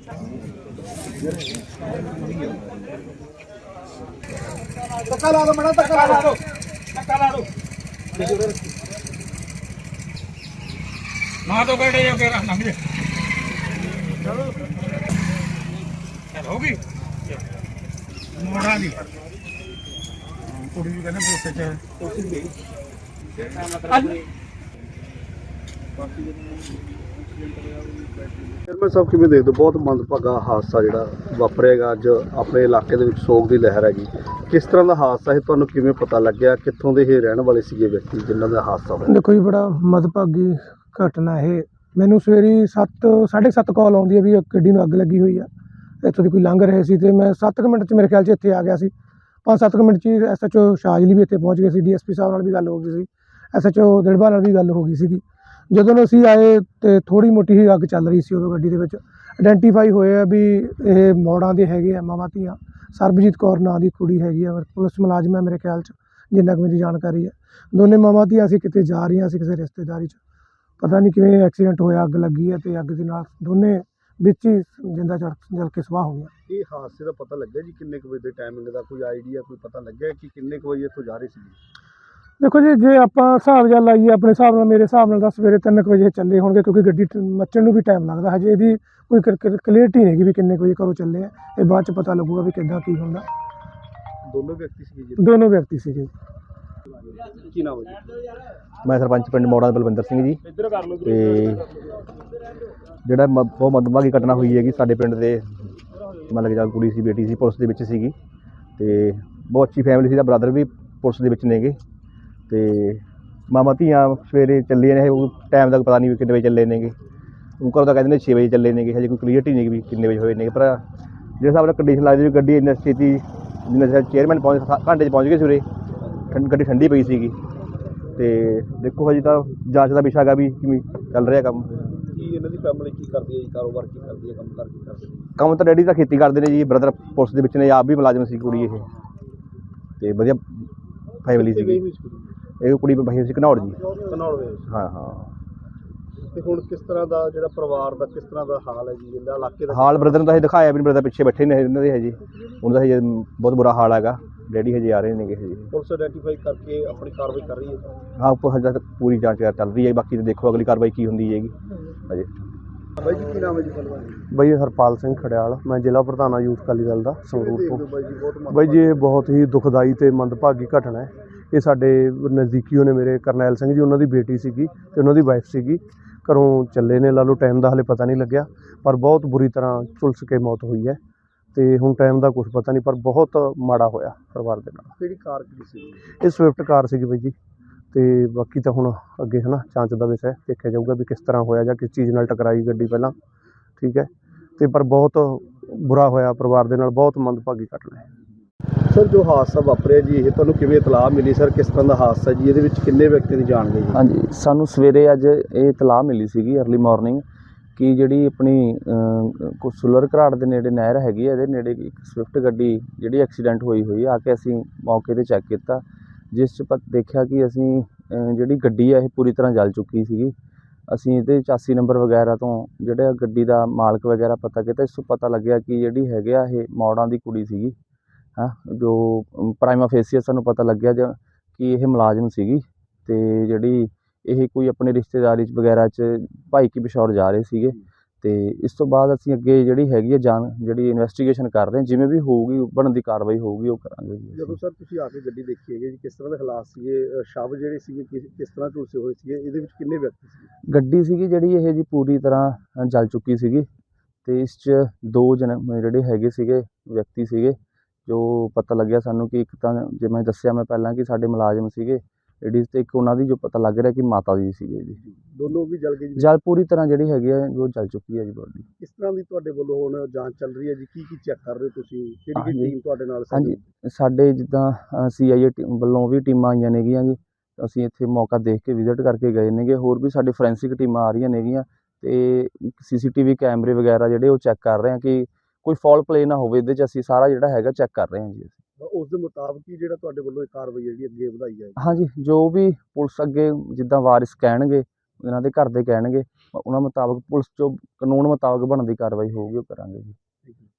ਧੱਕਾ ਲਾ ਦੋ ਮਣਾ, ਧੱਕਾ ਲਾ ਦੋ, ਧੱਕਾ ਲਾ ਦੋ ਨਾ ਦੋ ਗੜੇ ਜੋ ਕੇ ਲੰਘ ਜੇ। ਚਲੋ ਹੋ ਗਈ ਮੋੜਾਂ ਦੀ ਕੁੜੀ ਵੀ ਕਹਿੰਦੇ ਪੋਤੇ ਚ ਚੇਅਰਮੈਨ ਸਾਹਿਬ ਕਿਵੇਂ ਦੇਖਦੇ ਹੋ? ਬਹੁਤ ਮੰਦਭਾਗਾ ਹਾਦਸਾ ਜਿਹੜਾ ਵਾਪਰਿਆਗਾ ਅੱਜ ਆਪਣੇ ਇਲਾਕੇ ਦੇ ਵਿੱਚ, ਸੋਗ ਦੀ ਲਹਿਰ ਹੈਗੀ। ਕਿਸ ਤਰ੍ਹਾਂ ਦਾ ਹਾਦਸਾ ਹੈ, ਤੁਹਾਨੂੰ ਕਿਵੇਂ ਪਤਾ ਲੱਗਿਆ? ਕਿੱਥੋਂ ਦੇ ਇਹ ਰਹਿਣ ਵਾਲੇ ਸੀਗੇ ਵਿਅਕਤੀ ਜਿਨ੍ਹਾਂ ਦਾ ਹਾਦਸਾ ਹੋਇਆ? ਦੇਖੋ ਜੀ, ਬੜਾ ਮੰਦਭਾਗੀ ਘਟਨਾ ਇਹ। ਮੈਨੂੰ ਸਵੇਰੇ 7:30 ਕਾਲ ਆਉਂਦੀ ਹੈ ਵੀ ਗੱਡੀ ਨੂੰ ਅੱਗ ਲੱਗੀ ਹੋਈ ਆ। ਇੱਥੋਂ ਦੀ ਕੋਈ ਲੰਘ ਰਹੇ ਸੀ ਅਤੇ ਮੈਂ 7 ਮਿੰਟ 'ਚ ਮੇਰੇ ਖਿਆਲ 'ਚ ਇੱਥੇ ਆ ਗਿਆ ਸੀ। 5-7 ਮਿੰਟ 'ਚ ਹੀ SHO ਸ਼ਾਜਲੀ ਵੀ ਇੱਥੇ ਪਹੁੰਚ ਗਏ ਸੀ। DSP ਸਾਹਿਬ ਨਾਲ ਵੀ ਗੱਲ ਹੋ ਗਈ ਸੀ, SHO ਦਿੜਬਾ ਨਾਲ ਵੀ ਗੱਲ ਹੋ ਗਈ ਸੀਗੀ। ਜਦੋਂ ਅਸੀਂ ਆਏ ਅਤੇ ਥੋੜ੍ਹੀ ਮੋਟੀ ਹੀ ਅੱਗ ਚੱਲ ਰਹੀ ਸੀ ਉਦੋਂ ਗੱਡੀ ਦੇ ਵਿੱਚ। ਆਈਡੈਂਟੀਫਾਈ ਹੋਏ ਆ ਵੀ ਇਹ ਮੌੜਾਂ ਦੇ ਹੈਗੇ ਆ ਮਾਵਾਂ ਧੀਆਂ। ਸਰਬਜੀਤ ਕੌਰ ਨਾਂ ਦੀ ਕੁੜੀ ਹੈਗੀ ਆ, ਪੁਲਿਸ ਮੁਲਾਜ਼ਮ ਹੈ ਮੇਰੇ ਖਿਆਲ 'ਚ, ਜਿੰਨਾ ਕੁ ਮੇਰੀ ਜਾਣਕਾਰੀ ਹੈ। ਦੋਨੇ ਮਾਵਾਂ ਧੀਆਂ ਅਸੀਂ ਕਿਤੇ ਜਾ ਰਹੀਆਂ ਸੀ ਕਿਸੇ ਰਿਸ਼ਤੇਦਾਰੀ 'ਚ। ਪਤਾ ਨਹੀਂ ਕਿਵੇਂ ਐਕਸੀਡੈਂਟ ਹੋਇਆ, ਅੱਗ ਲੱਗੀ ਹੈ ਅਤੇ ਅੱਗ ਦੇ ਨਾਲ ਦੋਨੇ ਵਿੱਚ ਹੀ ਜਿੰਦਾ ਜਲ ਕੇ ਸੁਆਹ ਹੋ ਗਿਆ। ਇਹ ਹਾਦਸੇ ਦਾ ਪਤਾ ਲੱਗਿਆ ਜੀ ਕਿੰਨੇ ਕੁ ਵਜੇ ਦੇ ਟਾਈਮਿੰਗ ਦਾ ਕੋਈ ਆਈਡੀਆ, ਕੋਈ ਪਤਾ ਲੱਗਿਆ ਕਿ ਕਿੰਨੇ ਕੁ ਵਜੇ ਇੱਥੋਂ ਜਾ ਰਹੇ ਸੀ? ਦੇਖੋ ਜੀ, ਜੇ ਆਪਾਂ ਹਿਸਾਬ ਜਿਹਾ ਲਾਈਏ ਆਪਣੇ ਹਿਸਾਬ ਨਾਲ, ਮੇਰੇ ਹਿਸਾਬ ਨਾਲ ਤਾਂ ਸਵੇਰੇ 3 ਵਜੇ ਚੱਲੇ ਹੋਣਗੇ, ਕਿਉਂਕਿ ਗੱਡੀ ਮੱਚਣ ਨੂੰ ਵੀ ਟਾਈਮ ਲੱਗਦਾ। ਹਜੇ ਇਹਦੀ ਕੋਈ ਕਲੀਅਰਟੀ ਨਹੀਂ ਹੈਗੀ ਵੀ ਕਿੰਨੇ ਕੁ ਵਜੇ ਘਰੋਂ ਚੱਲੇ ਆ। ਇਹ ਬਾਅਦ 'ਚ ਪਤਾ ਲੱਗੂਗਾ ਵੀ ਕਿੱਦਾਂ ਕੀ ਹੁੰਦਾ। ਦੋਨੋਂ ਵਿਅਕਤੀ ਸੀਗੇ ਜੀ? ਦੋਨੋਂ ਵਿਅਕਤੀ ਸੀਗੇ। ਕੀ ਨਾਮ ਹੈ ਜੀ? ਮੈਂ ਸਰਪੰਚ ਪਿੰਡ ਮੌੜਾਂ ਦਾ ਬਲਵਿੰਦਰ ਸਿੰਘ ਜੀ। ਤੇ ਜਿਹੜਾ ਬਹੁਤ ਮੰਦਭਾਗੀ ਘਟਨਾ ਹੋਈ ਹੈਗੀ ਸਾਡੇ ਪਿੰਡ ਦੇ, ਮਤਲਬ ਕਿ ਕੁੜੀ ਸੀ, ਬੇਟੀ ਸੀ, ਪੁਲਿਸ ਦੇ ਵਿੱਚ ਸੀਗੀ ਅਤੇ ਬਹੁਤ ਅੱਛੀ ਫੈਮਿਲੀ ਸੀ। ਦਾ ਬ੍ਰਦਰ ਵੀ ਪੁਲਿਸ ਦੇ ਵਿੱਚ ਨੇਗੇ ਅਤੇ ਮਾਮਾ ਧੀਆਂ ਸਵੇਰੇ ਚੱਲੇ ਨੇ। ਉਹ ਟਾਈਮ ਦਾ ਪਤਾ ਨਹੀਂ ਵੀ ਕਿੰਨੇ ਵਜੇ ਚੱਲੇ ਨੇਗੇ। ਉਹ ਘਰੋਂ ਤਾਂ ਕਹਿੰਦੇ ਨੇ 6 ਵਜੇ ਚੱਲੇ ਨੇਗੇ। ਹਜੇ ਕੋਈ ਕਲੀਅਰਟੀ ਨਹੀਂ ਵੀ ਕਿੰਨੇ ਵਜੇ ਹੋਏ ਨੇਗੇ। ਪਰ ਜਿਹੜੇ ਹਿਸਾਬ ਨਾਲ ਕੰਡੀਸ਼ਨ ਲੱਗਦੀ ਵੀ ਗੱਡੀ ਇੰਨੀ ਛੇਤੀ, ਜਿੰਨਾ ਚੇਅਰਮੈਨ ਘੰਟੇ 'ਚ ਪਹੁੰਚ ਗਏ ਸਵੇਰੇ। ਗੱਡੀ ਠੰਡੀ ਪਈ ਸੀਗੀ ਅਤੇ ਦੇਖੋ ਹਜੇ ਤਾਂ ਜਾਂਚ ਦਾ ਵਿਸ਼ਾ ਹੈਗਾ ਵੀ ਕਿਵੇਂ ਚੱਲ ਰਿਹਾ ਕੰਮ। ਕੀ ਇਹਨਾਂ ਦੀ ਫੈਮਿਲੀ ਕੀ ਕਰਦੀ ਹੈ ਜੀ? ਕਾਰੋਬਾਰ ਕੀ ਕਰਦੀ ਹੈ? ਕੰਮ ਕਰ ਕੀ ਕਰਦੇ? ਕੰਮ ਤਾਂ ਡੈਡੀ ਤਾਂ ਖੇਤੀ ਕਰਦੇ ਨੇ ਜੀ। ਬ੍ਰਦਰ ਪੁਲਿਸ ਦੇ ਵਿੱਚ ਨੇ, ਆਪ ਵੀ ਮੁਲਾਜ਼ਮ ਸੀ ਕੁੜੀ ਇਹ, ਅਤੇ ਵਧੀਆ ਫੈਮਿਲੀ ਸੀਗੀ। ਇਹ ਕੁੜੀ ਭਾਈ ਸੀ ਘਨੌੜ ਜੀ। ਘਨੌੜ ਦੇ? ਹਾਂ ਹਾਂ। ਅਤੇ ਹੁਣ ਕਿਸ ਤਰ੍ਹਾਂ ਦਾ ਜਿਹੜਾ ਪਰਿਵਾਰ ਦਾ ਕਿਸ ਤਰ੍ਹਾਂ ਦਾ ਹਾਲ ਹੈ ਜੀ? ਜਿਹੜਾ ਇਲਾਕੇ ਦਾ ਹਾਲ ਬ੍ਰਦਰ ਨੂੰ ਤਾਂ ਅਸੀਂ ਦਿਖਾਇਆ ਵੀ ਨਹੀਂ। ਬ੍ਰਦਰ ਪਿੱਛੇ ਬੈਠੇ ਨੇ ਇਹਨਾਂ ਦੇ ਹਜੇ। ਉਹਨਾਂ ਦਾ ਹਜੇ ਬਹੁਤ ਬੁਰਾ ਹਾਲ ਹੈਗਾ। ਡੈਡੀ ਹਜੇ ਆ ਰਹੇ ਨੇਗੇ ਹਜੇ। ਪੁਲਿਸ ਆਈਡੈਂਟੀਫਾਈ ਕਰਕੇ ਆਪਣੀ ਕਾਰਵਾਈ ਕਰ ਰਹੀ ਹੈ? ਹਾਂ, ਹਜੇ ਤੱਕ ਪੂਰੀ ਜਾਂਚ ਚੱਲ ਰਹੀ ਹੈ। ਬਾਕੀ ਤਾਂ ਦੇਖੋ ਅਗਲੀ ਕਾਰਵਾਈ ਕੀ ਹੁੰਦੀ ਹੈਗੀ ਹਜੇ। ਬਾਈ ਜੀ ਕੀ ਨਾਮ ਹੈ ਜੀ? ਬਾਈ ਹਰਪਾਲ ਸਿੰਘ ਖੜਿਆਲ, ਮੈਂ ਜ਼ਿਲ੍ਹਾ ਪ੍ਰਧਾਨ ਹਾਂ ਯੂਥ ਅਕਾਲੀ ਦਲ ਦਾ ਸੰਗਰੂਰ ਤੋਂ। ਬਾਈ ਜੀ ਇਹ ਬਹੁਤ ਹੀ ਦੁਖਦਾਈ ਅਤੇ ਮੰਦਭਾਗੀ ਘਟਨਾ ਹੈ। ਇਹ ਸਾਡੇ ਨਜ਼ਦੀਕੀਓ ਨੇ, ਮੇਰੇ ਕਰਨੈਲ ਸਿੰਘ ਜੀ, ਉਹਨਾਂ ਦੀ ਬੇਟੀ ਸੀਗੀ ਅਤੇ ਉਹਨਾਂ ਦੀ ਵਾਈਫ ਸੀਗੀ। ਘਰੋਂ ਚੱਲੇ ਨੇ, ਲਾ ਲਓ ਟਾਈਮ ਦਾ ਹਾਲੇ ਪਤਾ ਨਹੀਂ ਲੱਗਿਆ, ਪਰ ਬਹੁਤ ਬੁਰੀ ਤਰ੍ਹਾਂ ਝੁਲਸ ਕੇ ਮੌਤ ਹੋਈ ਹੈ। ਅਤੇ ਹੁਣ ਟਾਈਮ ਦਾ ਕੁਛ ਪਤਾ ਨਹੀਂ, ਪਰ ਬਹੁਤ ਮਾੜਾ ਹੋਇਆ ਪਰਿਵਾਰ ਦੇ ਨਾਲ। ਕਿਹੜੀ ਕਾਰ ਕਿਹੜੀ ਸੀ? ਇਹ ਸਵਿਫਟ ਕਾਰ ਸੀਗੀ ਬਾਈ ਜੀ। ਅਤੇ ਬਾਕੀ ਤਾਂ ਹੁਣ ਅੱਗੇ ਹੈ ਨਾ ਜਾਂਚ ਦਾ ਵਿਸ਼ਾ ਦੇਖਿਆ ਜਾਊਗਾ ਵੀ ਕਿਸ ਤਰ੍ਹਾਂ ਹੋਇਆ ਜਾਂ ਕਿਸ ਚੀਜ਼ ਨਾਲ ਟਕਰਾਈ ਗੱਡੀ ਪਹਿਲਾਂ, ਠੀਕ ਹੈ। ਅਤੇ ਪਰ ਬਹੁਤ ਬੁਰਾ ਹੋਇਆ ਪਰਿਵਾਰ ਦੇ ਨਾਲ, ਬਹੁਤ ਮੰਦਭਾਗੀ ਘਟਨਾ ਹੈ। ਸਰ, ਜੋ ਹਾਦਸਾ ਵਾਪਰਿਆ ਜੀ, ਇਹ ਤੁਹਾਨੂੰ ਕਿਵੇਂ ਇਤਲਾਹ ਮਿਲੀ? ਸਰ, ਕਿਸ ਤਰ੍ਹਾਂ ਦਾ ਹਾਦਸਾ ਜੀ? ਇਹਦੇ ਵਿੱਚ ਕਿੰਨੇ ਵਿਅਕਤੀ ਦੀ ਜਾਨ ਗਈ? ਹਾਂਜੀ, ਸਾਨੂੰ ਸਵੇਰੇ ਅੱਜ ਇਹ ਇਤਲਾਹ ਮਿਲੀ ਸੀਗੀ ਅਰਲੀ ਮਾਰਨਿੰਗ ਕਿ ਜਿਹੜੀ ਆਪਣੀ ਸੁਲਰ ਘਰਾੜ ਦੇ ਨੇੜੇ ਨਹਿਰ ਹੈਗੀ ਹੈ, ਇਹਦੇ ਨੇੜੇ ਇੱਕ ਸਵਿਫਟ ਗੱਡੀ ਜਿਹੜੀ ਐਕਸੀਡੈਂਟ ਹੋਈ ਆ ਕੇ ਅਸੀਂ ਮੌਕੇ 'ਤੇ ਚੈੱਕ ਕੀਤਾ, ਜਿਸ 'ਚ ਦੇਖਿਆ ਕਿ ਅਸੀਂ ਜਿਹੜੀ ਗੱਡੀ ਹੈ ਇਹ ਪੂਰੀ ਤਰ੍ਹਾਂ ਜਲ ਚੁੱਕੀ ਸੀਗੀ। ਅਸੀਂ ਇਹਦੇ ਚਾਸੀ ਨੰਬਰ ਵਗੈਰਾ ਤੋਂ ਜਿਹੜਾ ਗੱਡੀ ਦਾ ਮਾਲਕ ਵਗੈਰਾ ਪਤਾ ਕੀਤਾ। ਇਸ ਤੋਂ ਪਤਾ ਲੱਗਿਆ ਕਿ ਜਿਹੜੀ ਹੈਗੇ ਆ ਇਹ ਮੌੜਾਂ ਦੀ ਕੁੜੀ ਸੀਗੀ। ਜੋ ਪ੍ਰਾਈਮਾ ਫੇਸੀਆ ਸਾਨੂੰ ਪਤਾ ਲੱਗਿਆ ਕਿ ਇਹ ਮੁਲਾਜ਼ਮ ਸੀਗੀ ਅਤੇ ਜਿਹੜੀ ਇਹ ਕੋਈ ਆਪਣੇ ਰਿਸ਼ਤੇਦਾਰੀ 'ਚ ਵਗੈਰਾ 'ਚ ਭਾਈ ਕੀ ਪਿਸ਼ੌਰ ਜਾ ਰਹੇ ਸੀਗੇ। ਅਤੇ ਇਸ ਤੋਂ ਬਾਅਦ ਅਸੀਂ ਅੱਗੇ ਜਿਹੜੀ ਹੈਗੀ ਹੈ ਜਿਹੜੀ ਇਨਵੈਸਟੀਗੇਸ਼ਨ ਕਰ ਰਹੇ ਹਾਂ, ਜਿਵੇਂ ਵੀ ਹੋਊਗੀ ਬਣਦੀ ਕਾਰਵਾਈ ਹੋਊਗੀ ਉਹ ਕਰਾਂਗੇ ਜੀ। ਜਦੋਂ ਸਰ ਤੁਸੀਂ ਆ ਕੇ ਗੱਡੀ ਦੇਖੀ ਹੈਗੀ ਜੀ, ਕਿਸ ਤਰ੍ਹਾਂ ਦੇ ਹਾਲਾਤ ਸੀਗੇ? ਸ਼ਵ ਜਿਹੜੇ ਸੀਗੇ ਕਿਸ ਤਰ੍ਹਾਂ ਝੁਲਸੇ ਹੋਏ ਸੀਗੇ? ਇਹਦੇ ਵਿੱਚ ਕਿੰਨੇ ਵਿਅਕਤੀ ਸੀਗੇ? ਗੱਡੀ ਸੀਗੀ ਜਿਹੜੀ ਇਹ ਜੀ ਪੂਰੀ ਤਰ੍ਹਾਂ ਜਲ ਚੁੱਕੀ ਸੀਗੀ ਅਤੇ ਇਸ 'ਚ 2 ਜਣੇ ਜਿਹੜੇ ਹੈਗੇ ਸੀਗੇ ਵਿਅਕਤੀ ਸੀਗੇ, ਜੋ ਪਤਾ ਲੱਗਿਆ ਸਾਨੂੰ ਕਿ ਇੱਕ ਤਾਂ ਜਿਵੇਂ ਦੱਸਿਆ ਮੈਂ ਪਹਿਲਾਂ ਕਿ ਸਾਡੇ ਮੁਲਾਜ਼ਮ ਸੀਗੇ ਲੇਡੀਜ਼, ਅਤੇ ਇੱਕ ਉਹਨਾਂ ਦੀ ਜੋ ਪਤਾ ਲੱਗ ਰਿਹਾ ਕਿ ਮਾਤਾ ਜੀ ਸੀਗੇ ਜੀ। ਦੋਨੋਂ ਵੀ ਜਲ ਗਏ ਜੀ? ਜਲ ਪੂਰੀ ਤਰ੍ਹਾਂ ਜਿਹੜੀ ਹੈਗੀ ਹੈ ਉਹ ਜਲ ਚੁੱਕੀ ਹੈ ਜੀ ਬੋਡੀ। ਕਿਸ ਤਰ੍ਹਾਂ ਦੀ ਤੁਹਾਡੇ ਵੱਲੋਂ ਹੁਣ ਜਾਂਚ ਚੱਲ ਰਹੀ ਹੈ ਜੀ? ਕੀ ਚੈੱਕ ਕਰ ਰਹੇ ਹੋ ਤੁਸੀਂ? ਕਿਹੜੀ ਟੀਮ ਤੁਹਾਡੇ ਨਾਲ? ਹਾਂਜੀ, ਸਾਡੇ ਜਿੱਦਾਂ CIA ਵੱਲੋਂ ਵੀ ਟੀਮਾਂ ਆਈਆਂ ਨੇਗੀਆਂ ਜੀ। ਅਸੀਂ ਇੱਥੇ ਮੌਕਾ ਦੇਖ ਕੇ ਵਿਜ਼ਿਟ ਕਰਕੇ ਗਏ ਨੇਗੇ। ਹੋਰ ਵੀ ਸਾਡੇ ਫੋਰੈਂਸਿਕ ਟੀਮਾਂ ਆ ਰਹੀਆਂ ਨੇਗੀਆਂ ਅਤੇ CCTV ਕੈਮਰੇ ਵਗੈਰਾ ਜਿਹੜੇ ਉਹ ਚੈੱਕ ਕਰ ਰਹੇ ਹਾਂ ਕਿ ਕੋਈ ਫਾਲ ਪਲੇ ਨਾ ਹੋਵੇ ਇਹਦੇ 'ਚ। ਅਸੀਂ ਸਾਰਾ ਜਿਹੜਾ ਹੈਗਾ ਚੈੱਕ ਕਰ ਰਹੇ ਹਾਂ ਜੀ। ਉਸ ਦੇ ਮੁਤਾਬਕ ਹੀ ਜਿਹੜਾ ਤੁਹਾਡੇ ਵੱਲੋਂ ਇਹ ਕਾਰਵਾਈ ਜਿਹੜੀ ਅੱਗੇ ਵਧਾਈ ਜਾਏਗੀ? ਹਾਂਜੀ, ਜੋ ਵੀ ਪੁਲਿਸ ਅੱਗੇ ਜਿੱਦਾਂ ਵਾਰਿਸ ਕਹਿਣਗੇ ਇਹਨਾਂ ਦੇ ਘਰ ਦੇ ਕਹਿਣਗੇ ਉਹਨਾਂ ਮੁਤਾਬਕ ਪੁਲਿਸ 'ਚੋਂ ਕਾਨੂੰਨ ਮੁਤਾਬਕ ਬਣਦੀ ਕਾਰਵਾਈ ਹੋਊਗੀ ਉਹ ਕਰਾਂਗੇ ਜੀ।